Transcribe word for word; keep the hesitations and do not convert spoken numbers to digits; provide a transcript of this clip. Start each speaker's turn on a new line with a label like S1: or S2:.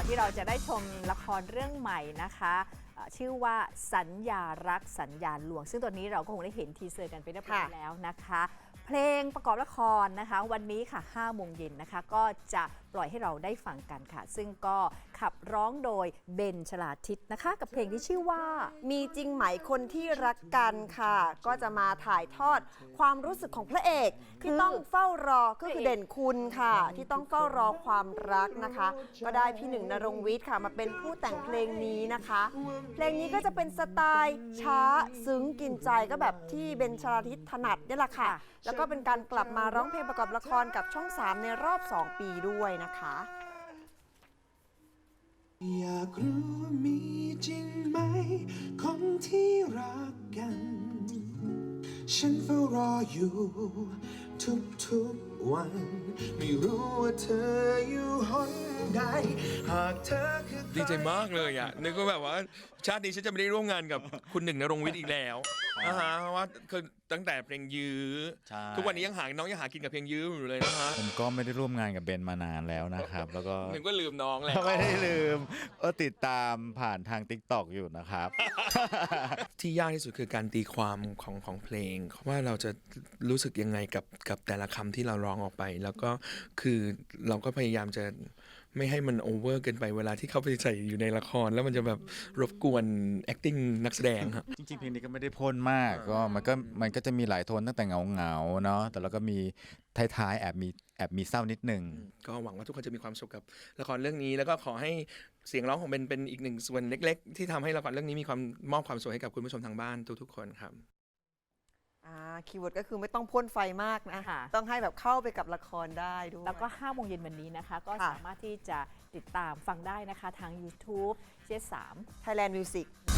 S1: ที่เราจะได้ชมละครเรื่องใหม่นะคะชื่อว่าสัญญารักสัญญาหลวงซึ่งตอนนี้เราก็คงได้เห็นทีเซอร์กันไปเรียบร้อยแล้วนะคะเพลงประกอบละครนะคะวันนี้ค่ะห้าโมงเย็นนะคะก็จะปล่อยให้เราได้ฟังกันค่ะซึ่งก็ขับร้องโดยเบนชลาทิศนะคะกับเพลงที่ชื่อว่า
S2: มีจริงไหมคนที่รักกันค่ะก็จะมาถ่ายทอดความรู้สึกของพระเอกที่ต้องเฝ้ารอก็คือเด่นคุณค่ะที่ต้องเฝ้ารอความรักนะคะก็ได้พี่หนึ่งณรงค์วิทย์ค่ะมาเป็นผู้แต่งเพลงนี้นะคะเพลงนี้ก็จะเป็นสไตล์ช้าซึ้งกินใจก็แบบที่เบนชลาทิศถนัดนี่แหละค่ะแล้วก็เป็นการกลับมาร้องเพลงประกอบละครกับช่องสามในรอบสองปีด้วยนะคะ
S3: อยากรู้ว่ามีจริงไหมคนที่รักกันฉันเฝ้ารออยู่ทุกๆวันไม่รู้ว่าเธออยู่หนใดหากเธอคือ
S4: ดีใจมากเลยอ่ะนึกว่าแบบว่าชาตินี้ฉันจะไม่ได้ร่วมงานกับคุณหนึ่งณรงค์วิทย์อีกแล้วนะฮะเพราะว่าคือตั้งแต่เพลงยื้อทุกวันนี้ยังหาน้องยังหากินกับเพลงยื้ออยู่เลยนะฮะ
S5: ผมก็ไม่ได้ร่วมงานกับเบนมานานแล้วนะครับแล้วก็
S4: หนึ่งก็ลืมน้องแล้ว
S5: ไม่ได้ลืมก็ติดตามผ่านทาง ติ๊กต็อก อยู่นะครับ
S4: ที่ยากที่สุดคือการตีความของของเพลงว่าเราจะรู้สึกยังไงกับกับแต่ละคำที่เราร้องออกไปแล้วก็คือเราก็พยายามจะไม่ให้มันโอเวอร์เกินไปเวลาที่เข้าไปใส่อยู่ในละครแล้วมันจะแบบรบกวน acting นักแสดงครับ
S5: จริงๆเพลงนี้ก็ไม่ได้พ่นมากก็มันก็มันก็จะมีหลายโทนตั้งแต่เงาเงาเนาะแต่เราก็มีท้ายๆแอบมีแอบมีเศร้านิดนึง
S4: ก็หวังว่าทุกคนจะมีความสุขกับละครเรื่องนี้แล้วก็ขอให้เสียงร้องของเบนเป็นอีกหนึ่งส่วนเล็กๆที่ทำให้ละครเรื่องนี้มีความมอบความสุขให้กับคุณผู้ชมทางบ้านทุกๆคนครับ
S2: คีย์เวิร์ดก็คือไม่ต้องพ่นไฟมากนะต้องให้แบบเข้าไปกับละครได้ด้วย
S1: แล้วก็ห้าโมงเย็นวันนี้นะคะก็สามารถที่จะติดตามฟังได้นะคะทาง YouTube เจ สาม
S2: Thailand Music